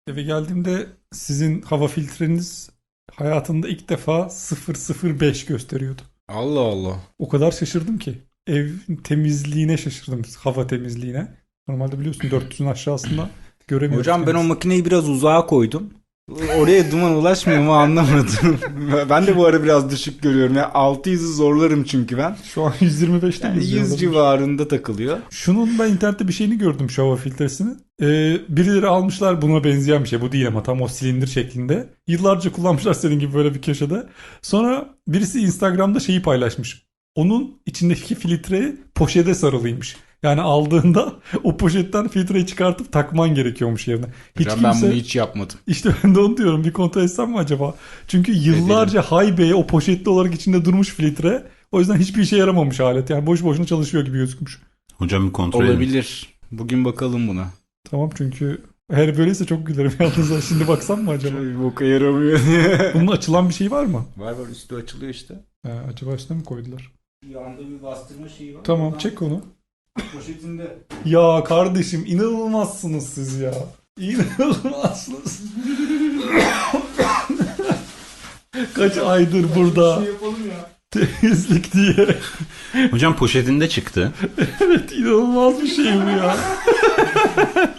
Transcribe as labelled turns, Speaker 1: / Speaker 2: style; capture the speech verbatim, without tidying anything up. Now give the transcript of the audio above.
Speaker 1: Eve geldiğimde sizin hava filtreniz hayatımda ilk defa sıfır sıfır beş gösteriyordu.
Speaker 2: Allah Allah.
Speaker 1: O kadar şaşırdım ki. Ev temizliğine şaşırdım. Hava temizliğine. Normalde biliyorsun dört yüzün aşağısında göremiyoruz
Speaker 2: Hocam ben o
Speaker 1: kendisi.
Speaker 2: makineyi biraz uzağa koydum. Oraya duman ulaşmıyor mu anlamadım. Ben de bu ara biraz düşük görüyorum. Yani altı yüzü zorlarım çünkü ben.
Speaker 1: Şu an yüz yirmi beşte
Speaker 2: Yani
Speaker 1: geziyor
Speaker 2: yüz
Speaker 1: olabilir.
Speaker 2: civarında takılıyor.
Speaker 1: Şunun ben internette bir şeyini gördüm, şu hava filtresini. Ee, birileri almışlar buna benzeyen bir şey. Bu değil ama tam o silindir şeklinde. Yıllarca kullanmışlar senin gibi böyle bir köşede. Sonra birisi Instagram'da şeyi paylaşmış. Onun içindeki filtre poşete sarılıymış. Yani aldığında o poşetten filtreyi çıkartıp takman gerekiyormuş yerine. Hiç
Speaker 2: Hocam ben bunu
Speaker 1: kimse
Speaker 2: hiç yapmadım.
Speaker 1: işte ben de onu diyorum, bir kontrol etsem mi acaba? Çünkü
Speaker 2: Edelim.
Speaker 1: yıllarca Haybe o poşetli olarak içinde durmuş filtre. O yüzden hiçbir işe yaramamış alet. Yani boş boşuna çalışıyor gibi gözükmüş.
Speaker 3: Hocam bir kontrol edin.
Speaker 2: Olabilir. Bugün bakalım buna.
Speaker 1: Tamam, çünkü eğer böyleyse çok gülerim yalnız. Şimdi baksam mı acaba?
Speaker 2: Bir boka yaramıyor.
Speaker 1: Bunun açılan bir şey var mı?
Speaker 2: Var var, üstü açılıyor işte.
Speaker 1: He, acaba üstüne mi koydular?
Speaker 2: Yanda bir bastırma şeyi var.
Speaker 1: Tamam, çek onu.
Speaker 2: Poşetinde.
Speaker 1: Ya kardeşim, inanılmazsınız siz ya. İnanılmazsınız. Kaç aydır burada
Speaker 2: Şey yapalım ya.
Speaker 1: temizlik diye.
Speaker 3: Hocam poşetinde çıktı.
Speaker 1: Evet, inanılmaz bir şey bu ya.